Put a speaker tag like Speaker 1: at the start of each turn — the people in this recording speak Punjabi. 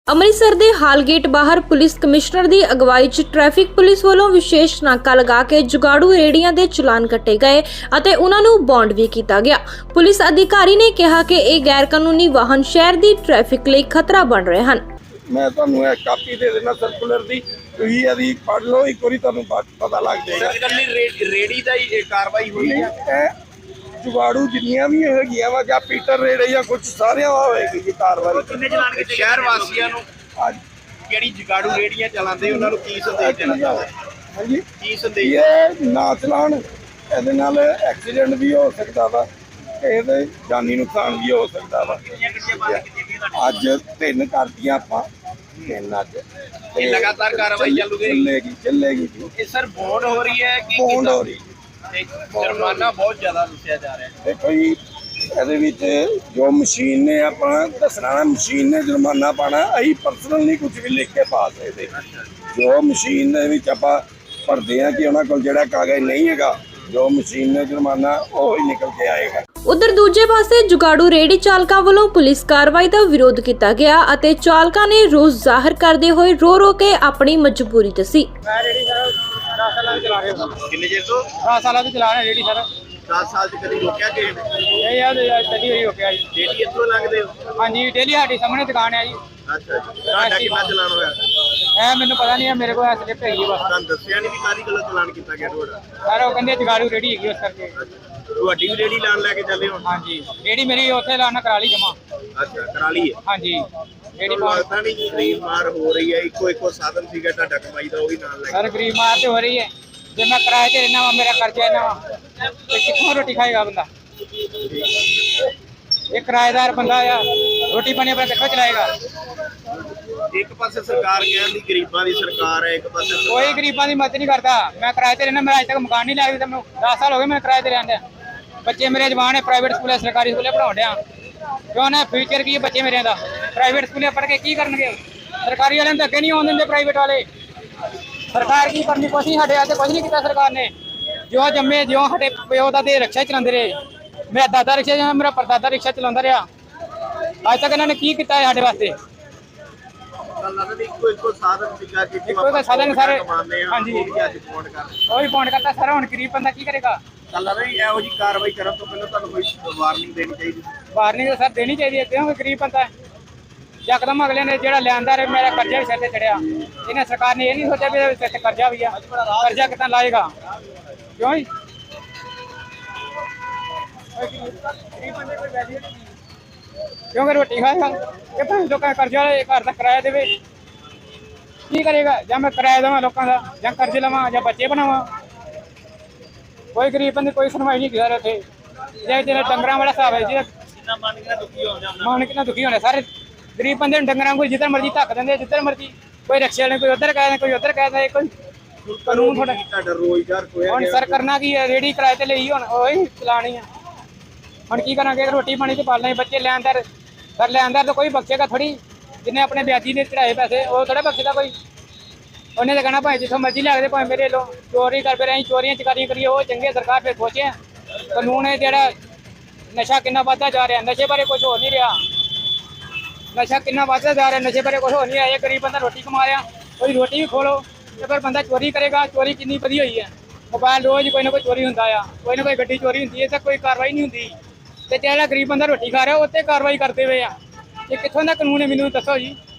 Speaker 1: ਅੰਮ੍ਰਿਤਸਰ ਦੇ ਹਾਲਗੇਟ ਬਾਹਰ ਪੁਲਿਸ ਕਮਿਸ਼ਨਰ ਦੀ ਅਗਵਾਈ 'ਚ ਟ੍ਰੈਫਿਕ ਪੁਲਿਸ ਵੱਲੋਂ ਵਿਸ਼ੇਸ਼ ਨਾਕਾ ਲਗਾ ਕੇ ਜੁਗਾੜੂ ਰੇੜੀਆਂ ਦੇ ਚਲਾਨ ਕੱਟੇ ਗਏ ਅਤੇ ਉਹਨਾਂ ਨੂੰ ਬੌਂਡ ਵੀ ਕੀਤਾ ਗਿਆ। ਪੁਲਿਸ ਅਧਿਕਾਰੀ ਨੇ ਕਿਹਾ ਕਿ ਇਹ ਗੈਰ ਕਾਨੂੰਨੀ ਵਾਹਨ ਸ਼ਹਿਰ ਦੀ ਟ੍ਰੈਫਿਕ ਲਈ ਖਤਰਾ ਬਣ ਰਹੇ ਹਨ।
Speaker 2: मैं ਤੁਹਾਨੂੰ एक ਕਾਪੀ ਦੇ ਦੇਣਾ ਸਰਕੂਲਰ ਦੀ, ਤੁਸੀਂ ਇਹਦੀ ਪੜ੍ਹ ਲਓ, ਇੱਕ ਵਾਰੀ ਤੁਹਾਨੂੰ ਪਤਾ ਲੱਗ ਜਾਏਗਾ।
Speaker 3: ਰੇੜੀ ਦਾ ਹੀ ਕਾਰਵਾਈ ਹੋਈ ਹੈ।
Speaker 2: ਜੁਗਾੜੂ ਜਿੰਨੀਆਂ ਵੀ ਹੈਗੀਆਂ ਵਾ ਜਾਂ ਪੀਟਰ ਰੇੜੇ ਜਾਂ ਕੁਝ ਸਾਰਿਆਂ ਵਾ ਹੋਏਗੀ ਜੀ ਕਾਰਵਾਈ।
Speaker 3: ਕਿੰਨੇ ਚਲਾਨ ਕੀਤੇ ਸ਼ਹਿਰ ਵਾਸੀਆਂ ਨੂੰ?
Speaker 2: ਅੱਜ
Speaker 3: ਜਿਹੜੀ ਜਗਾੜੂ ਰੇੜੀਆਂ ਚਲਾਉਂਦੇ ਉਹਨਾਂ ਨੂੰ ਕੀ ਸੰਦੇਸ਼ ਦੇਣਾ ਚਾਹੁੰਦੇ?
Speaker 2: ਹਾਂਜੀ,
Speaker 3: ਕੀ ਸੰਦੇਸ਼?
Speaker 2: ਇਹ ਨਾ ਚਲਾਉਣ, ਇਹਦੇ ਨਾਲ ਐਕਸੀਡੈਂਟ ਵੀ ਹੋ ਸਕਦਾ ਵਾ, ਇਹਦੇ ਜਾਨੀ ਨੁਕਸਾਨ ਵੀ ਹੋ ਸਕਦਾ ਵਾ। ਅੱਜ 3 ਕਰਤੀਆਂ ਆਪਾਂ, 3 ਅੱਜ
Speaker 3: ਇਹ ਲਗਾਤਾਰ ਕਾਰਵਾਈ
Speaker 2: ਚੱਲੇਗੀ ਜੀ।
Speaker 3: ਇਹ ਸਰ ਬੌਂਡ ਹੋ ਰਹੀ ਹੈ ਕਿ
Speaker 2: ਬੌਂਡ ਹੋ ਰਹੀ
Speaker 3: ਤੇ ਜੁਰਮਾਨਾ ਬਹੁਤ ਜ਼ਿਆਦਾ ਦੱਸਿਆ ਜਾ ਰਿਹਾ ਹੈ।
Speaker 2: ਦੇਖੋ ਜੀ, ਇਹਦੇ ਵਿੱਚ ਜੋ ਮਸ਼ੀਨ ਨੇ ਆਪਣਾ ਦੱਸਣਾ ਨਾ, ਮਸ਼ੀਨ ਨੇ ਜੁਰਮਾਨਾ ਪਾਣਾ, ਅਸੀਂ ਪਰਸਨਲ ਨਹੀਂ ਕੁਝ ਵੀ ਲਿਖ ਕੇ ਪਾ ਸਕਦੇ। ਜੋ ਮਸ਼ੀਨ ਦੇ ਵਿੱਚ ਆਪਾਂ ਭਰਦੇ ਆ ਕਿ ਉਹਨਾਂ ਕੋਲ ਜਿਹੜਾ ਕਾਗਜ਼ ਨਹੀਂ ਹੈਗਾ, ਜੋ ਮਸ਼ੀਨ ਨੇ ਜੁਰਮਾਨਾ ਉਹ ਹੀ ਨਿਕਲ ਕੇ ਆਏਗਾ।
Speaker 1: ਉਧਰ ਦੂਜੇ ਪਾਸੇ ਜੁਗਾੜੂ ਰੇੜੀ ਚਾਲਕਾਂ ਵੱਲੋਂ ਪੁਲਿਸ ਕਾਰਵਾਈ ਦਾ ਵਿਰੋਧ ਕੀਤਾ ਗਿਆ ਅਤੇ ਚਾਲਕਾਂ ਨੇ ਰੋਸ ਜ਼ਾਹਰ ਕਰਦੇ ਹੋਏ ਰੋ ਕੇ ਆਪਣੀ ਮਜਬੂਰੀ ਦੱਸੀ।
Speaker 4: ਮੈਂ ਰੇੜੀ ਸਰ 10 ਸਾਲਾਂ ਤੋਂ ਚਲਾ ਰਿਹਾ।
Speaker 3: ਕਿੰਨੇ ਚਿਰ ਤੋਂ?
Speaker 4: 10 ਸਾਲਾਂ ਤੋਂ ਚਲਾ ਰਿਹਾ ਰੇੜੀ ਸਰ।
Speaker 3: 10 ਸਾਲ ਚ ਕਦੀ ਰੋਕਿਆ ਕਿ
Speaker 4: ਇਹ ਯਾਰ ਚੱਲੀ ਹੋਈ ਰੋਕਿਆ ਜੀ।
Speaker 3: ਡੇਲੀ ਇੱਥੋਂ ਲੰਘਦੇ ਹੋ?
Speaker 4: ਹਾਂਜੀ, ਡੇਲੀ ਸਾਡੀ ਸਾਹਮਣੇ ਦੁਕਾਨ ਹੈ ਜੀ।
Speaker 3: ਅੱਛਾ ਜੀ, ਤੁਹਾਡਾ ਕਿੰਨਾ ਚਲਾਨ ਹੋਇਆ?
Speaker 4: ਇਹ ਮੈਨੂੰ ਪਤਾ ਨਹੀਂ ਹੈ, ਮੇਰੇ ਕੋਲ ਸਲਿੱਪ ਹੈਗੀ ਬਸ।
Speaker 3: ਤੁਹਾਨੂੰ ਦੱਸਿਆ ਨਹੀਂ ਵੀ ਕਾਹਦੀ ਗੱਲੋਂ ਚਲਾਨ ਕੀਤਾ ਗਿਆ ਤੁਹਾਡਾ?
Speaker 4: ਸਰ ਉਹ ਕਹਿੰਦੇ ਜਗਾੜੂ ਰੇੜੀ ਹੈਗੀ ਉਸ ਕਰਕੇ।
Speaker 3: ਤੁਹਾਡੀ ਵੀ ਰੇੜੀ ਲਾਣ ਲੈ ਕੇ ਚੱਲੇ ਹੋ?
Speaker 4: ਹਾਂਜੀ, ਰੇੜੀ ਮੇਰੀ ਉੱਥੇ ਲਾਣਾ ਕਰਾ ਲਈ ਜਮਾ।
Speaker 3: ਅੱਛਾ, ਕਰਾ ਲਈ ਹੈ।
Speaker 4: ਹਾਂਜੀ, ਰੇੜੀ
Speaker 3: ਤੁਹਾਨੂੰ ਲੱਗਦਾ ਨਹੀਂ ਗਰੀਬ ਮਾਰ ਹੋ ਰਹੀ ਹੈ? ਇੱਕੋ ਸਾਧਨ ਸੀਗਾ ਤੁਹਾਡਾ ਕਮਾਈ ਦਾ, ਉਹ ਵੀ ਨਾਲ ਲੈ
Speaker 4: ਸਰ ਗਰੀਬ ਮਾਰ ਤੇ ਹੋ ਰਹੀ ਹੈ। ਜੇ ਮੈਂ ਕਿਰਾਏ ਤੇ ਰਹਿਣਾ ਵਾ, ਮੇਰਾ ਖਰਚਾ ਇੰਨਾ ਵਾ, ਤੇ ਕਿੱਥੋਂ ਰੋਟੀ ਖਾਏਗਾ ਬੰਦਾ? ਇਹ ਕਿਰਾਏਦਾਰ ਬੰਦਾ ਆ, ਰੋਟੀ ਪਾਣੀ ਆਪਣਾ ਕਿੱਥੋਂ ਚਲਾਏਗਾ?
Speaker 3: ਇੱਕ ਪਾਸੇ ਸਰਕਾਰ ਕਹਿੰਦੀ ਗਰੀਬਾਂ ਦੀ ਸਰਕਾਰ ਹੈ, ਇੱਕ ਪਾਸੇ
Speaker 4: ਕੋਈ ਗਰੀਬਾਂ ਦੀ ਮਦਦ ਨਹੀਂ ਕਰਦਾ। ਮੈਂ ਕਿਰਾਏ ਤੇ ਰਹਿਣਾ, ਮੇਰਾ ਅਜੇ ਤੱਕ ਮਕਾਨ ਨਹੀਂ ਲਿਆ ਵੀ। ਮੈਨੂੰ 10 ਸਾਲ ਹੋ ਗਏ ਮੈਂ ਕਿਰਾਏ ਤੇ ਰਹਿੰਦਾ। ਬੱਚੇ ਮੇਰੇ ਜਵਾਨ ਹੈ, ਪ੍ਰਾਈਵੇਟ ਸਕੂਲੇ ਸਰਕਾਰੀ ਸਕੂਲੇ ਪੜਾਉਣ ਡਿਆ। ਕਿਉਂ ਨਾ ਫਿਊਚਰ ਕੀ ਹੈ ਬੱਚੇ ਮੇਰਿਆਂ ਦਾ? ਪ੍ਰਾਈਵੇਟ ਸਕੂਲੇ ਪੜ੍ਹ ਕੇ ਕੀ ਕਰਨਗੇ? ਸਰਕਾਰੀ ਵਾਲਿਆਂ ਨੂੰ ਅੱਗੇ ਨਹੀਂ ਆਉਣ ਦਿੰਦੇ ਪ੍ਰਾਈਵੇਟ ਵਾਲੇ। ਸਰਕਾਰ ਕੀ ਕਰਨੀ? ਕੁਛ ਨਹੀਂ, ਸਾਡੇ ਵਾਸਤੇ ਕੁਛ ਨਹੀਂ ਕੀਤਾ ਸਰਕਾਰ ਨੇ। ਜੋ ਜੰਮੇ, ਜੋ ਸਾਡੇ ਪਿਓ ਦਾ ਦੇ ਰਿਕਸ਼ਾ ਚਲਾਉਂਦੇ ਰਹੇ। ਮੇਰਾ ਦਾਦਾ ਰਿਕਸ਼ਾ, ਮੇਰਾ ਪਰਦਾਦਾ ਰਿਕਸ਼ਾ ਚਲਾਉਂਦਾ ਰਿਹਾ। ਅੱਜ ਤੱਕ ਇਹਨਾਂ ਨੇ ਕੀ ਕੀਤਾ ਹੈ ਸਾਡੇ ਵਾਸਤੇ?
Speaker 3: ਇੱਕੋ ਸਾਧਨ ਸੀਗਾ ਕਿ
Speaker 4: ਇੱਕੋ ਸਾਧਨ ਸਾਰੇ।
Speaker 3: ਹਾਂਜੀ, ਅੱਜ ਫੋਨ ਕਰ
Speaker 4: ਉਹ ਵੀ ਫੋਨ ਕਰਦਾ ਸਰ। ਹੁਣ ਗਰੀਬ ਬੰਦਾ ਕੀ ਕਰੇਗਾ?
Speaker 3: ਚੱਲ ਲੱਗਦਾ ਇਹੋ ਜਿਹੀ ਕਾਰਵਾਈ ਕਰਨ ਤੋਂ ਪਹਿਲਾਂ ਤੁਹਾਨੂੰ ਕੋਈ ਵਾਰਨਿੰਗ ਦੇਣੀ ਚਾਹੀਦੀ।
Speaker 4: ਵਾਰਨਿੰਗ ਸਰ ਦੇਣੀ ਚਾਹੀਦੀ ਹੈ, ਕਿਉਂਕਿ ਗਰੀਬ ਬੰਦਾ ਹੈ। ਯਕਦਮ ਅਗਲੇ ਨੇ ਜਿਹੜਾ ਲਿਆਂਦਾ ਰੇ, ਮੇਰਾ ਕਰਜ਼ਾ ਵੀ ਸਿਰ ਤੇ ਚੜਿਆ। ਇਹਨੇ ਸਰਕਾਰ ਨੇ ਇਹ ਨਹੀਂ ਸੋਚਿਆ ਵੀ ਇਹਦੇ ਸਿਰ ਤੇ ਕਰਜ਼ਾ ਵੀ ਆ, ਕਰਜ਼ਾ ਕਿੱਦਾਂ ਲਾਏਗਾ? ਕਿਉਂ ਜੀ? ਕਿਉਂਕਿ ਰੋਟੀ ਖਾਏਗਾ ਕਿ ਭਾਵੇਂ ਲੋਕਾਂ ਦਾ ਕਰਜ਼ਾ ਲਏ, ਘਰ ਦਾ ਕਿਰਾਇਆ ਦੇਵੇ, ਕੀ ਕਰੇਗਾ? ਜਾਂ ਮੈਂ ਕਿਰਾਇਆ ਦੇਵਾਂ ਲੋਕਾਂ ਦਾ, ਜਾਂ ਕਰਜ਼ੇ ਲਵਾਂ, ਜਾਂ ਬੱਚੇ ਬਣਾਵਾਂ? ਕੋਈ ਗਰੀਬ ਬੰਦੇ ਕੋਈ ਸੁਣਵਾਈ ਨਹੀਂ ਕਰ ਰਹੇ। ਜੇ ਜਿਹੜਾ ਡੰਗਰਾਂ ਵਾਲਾ ਹਿਸਾਬ ਹੈ, ਜਿਹਦਾ ਮਨ ਕਿੰਨਾ ਦੁਖੀ ਹੋਣਾ। ਸਾਰੇ ਗਰੀਬ ਬੰਦੇ ਨੂੰ ਡੰਗਰਾਂ ਕੋਈ ਜਿੱਧਰ ਮਰਜ਼ੀ ਧੱਕ ਦਿੰਦੇ, ਜਿੱਧਰ ਮਰਜ਼ੀ। ਕੋਈ ਰਿਕਸ਼ੇ ਵਾਲੇ ਕੋਈ ਉੱਧਰ ਕਹਿ ਦਿੰਦੇ, ਕੋਈ ਉੱਧਰ ਕਹਿ ਦਿੰਦੇ। ਕੋਈ ਕਾਨੂੰਨ
Speaker 3: ਤੁਹਾਡਾ ਰੋਜ਼ਗਾਰ ਖੋਇਆ
Speaker 4: ਹੁਣ ਸਰ ਕਰਨਾ ਕੀ ਹੈ? ਰੇੜੀ ਕਿਰਾਏ ਤੇ ਲਈ, ਹੁਣ ਉਹੀ ਚਲਾਣੀ ਆ। ਹੁਣ ਕੀ ਕਰਾਂਗੇ? ਰੋਟੀ ਪਾਣੀ ਤੇ ਪਾਲਣਾ ਹੀ। ਬੱਚੇ ਲੈਂਦਰ ਸਰ, ਲੈਂਦਰ ਤਾਂ ਕੋਈ ਬਖਸ਼ੇਗਾ ਥੋੜੀ। ਜਿਹਨੇ ਆਪਣੇ ਵਿਆਜੀ ਨੇ ਚੜਾਏ ਪੈਸੇ, ਉਹ ਥੋੜਾ ਬਖਸ਼ਦਾ ਕੋਈ। ਉਹਨੇ ਤਾਂ ਕਹਿਣਾ ਭਾਵੇਂ ਜਿੱਥੋਂ ਮਰਜ਼ੀ ਲੱਗਦੇ, ਭਾਵੇਂ ਮੇਰੇ ਲੋ ਚੋਰੀ ਕਰ ਫਿਰ ਅਸੀਂ ਚੋਰੀਆਂ ਚਕਾਰੀਆਂ ਕਰੀਏ, ਉਹ ਚੰਗੇ। ਸਰਕਾਰ ਫਿਰ ਸੋਚੇ ਕਾਨੂੰਨ ਹੈ ਜਿਹੜਾ ਨਸ਼ਾ ਕਿੰਨਾ ਵੱਧਦਾ ਜਾ ਰਿਹਾ, ਨਸ਼ੇ ਬਾਰੇ ਕੁਝ ਹੋ ਨਹੀਂ ਰਿਹਾ। ਨਸ਼ਾ ਕਿੰਨਾ ਵੱਧਦਾ ਜਾ ਰਿਹਾ, ਨਸ਼ੇ ਬਾਰੇ ਕੁਝ ਹੋ ਨਹੀਂ ਰਿਹਾ। ਇਹ ਗਰੀਬ ਬੰਦਾ ਰੋਟੀ ਕਮਾ ਰਿਹਾ, ਉਹਦੀ ਰੋਟੀ ਵੀ ਖੋਲੋ ਤੇ ਫਿਰ ਬੰਦਾ ਚੋਰੀ ਕਰੇਗਾ। ਚੋਰੀ ਕਿੰਨੀ ਵਧੀ ਹੋਈ ਹੈ। ਮੋਬਾਈਲ ਰੋਜ਼ ਕੋਈ ਨਾ ਕੋਈ ਚੋਰੀ ਹੁੰਦਾ ਆ, ਕੋਈ ਨਾ ਕੋਈ ਗੱਡੀ ਚੋਰੀ ਹੁੰਦੀ ਹੈ, ਤਾਂ ਕੋਈ ਕਾਰਵਾਈ ਨਹੀਂ ਹੁੰਦੀ। ਤੇ ਜਿਹੜਾ ਗਰੀਬ ਬੰਦਾ ਰੋਟੀ ਖਾ ਰਿਹਾ, ਉੱਤੇ ਕਾਰਵਾਈ ਕਰਦੇ ਹੋਏ ਆ। ਇਹ ਕਿੱਥੋਂ ਦਾ ਕਾਨੂੰਨ ਹੈ? ਮੈਨੂੰ ਦੱਸੋ ਜੀ।